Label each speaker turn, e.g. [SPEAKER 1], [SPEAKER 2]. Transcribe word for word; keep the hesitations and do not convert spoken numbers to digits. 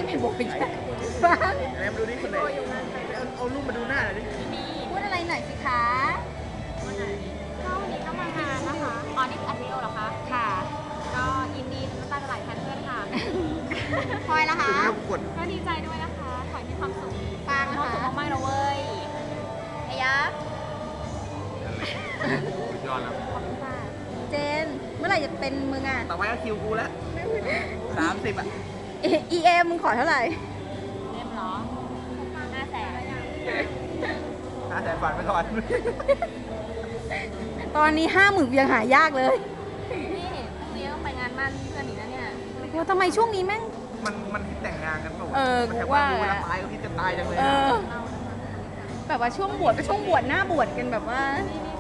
[SPEAKER 1] ไปบอกอีกบ้าง
[SPEAKER 2] ไหนมาดูดิคนไหนเอาเอารูปมาดูหน้าหน่อยดิ
[SPEAKER 1] พูดอะไรหน่อยสิคะ
[SPEAKER 3] วันไหนก็วันนี้ก็มางานนะคะอ๋อนี่อัดวิดีโอเหรอคะ
[SPEAKER 1] ค่ะ
[SPEAKER 3] ก็ยินดีน้ำตาจะไหลแทนเพื่อนค่ะ
[SPEAKER 1] พลอยละคะ
[SPEAKER 2] คือไม่ต้องกด
[SPEAKER 3] ก็ดีใจด้วยนะคะ ขอให้มีความสุข
[SPEAKER 1] ปาง
[SPEAKER 3] มี
[SPEAKER 1] นะ
[SPEAKER 3] ความสุข
[SPEAKER 1] คะ
[SPEAKER 3] มากๆนะเว้ยไอ้ยักษ์
[SPEAKER 2] สุดยอดแล้ว
[SPEAKER 3] ขอบคุณค่ะ
[SPEAKER 1] เจน เมื่อไหร่จะเป็นมึงอ่ะ
[SPEAKER 2] ต่อไปก็คิวกูแล้วสามสิบอ่ะ
[SPEAKER 1] อีเอมึงขอเท่าไหร่
[SPEAKER 3] เล่มเหรอห้าแสน
[SPEAKER 2] ห้าแสนฝันไปก่อน
[SPEAKER 1] ตอนนี้ห้าหมื่นยังหายากเลย
[SPEAKER 3] นี่พรุ่งนี้ต้องไปงานมั่นเพื่อนอีกนะเนี่ย
[SPEAKER 1] ว่าทำไมช่วงนี้แม่ง
[SPEAKER 2] มันมันคิดแต่งงานกันเปล่าวะ
[SPEAKER 1] เออ
[SPEAKER 2] มันแถม
[SPEAKER 1] ว่า
[SPEAKER 2] ดูเวลาตายก็คิดจะตายจังเลย
[SPEAKER 1] เอ
[SPEAKER 2] อะ
[SPEAKER 1] อ แบบว่าช่วงบวชก็ช่วงบวชหน้าบวชกันแบบว่า
[SPEAKER 3] นี่นี่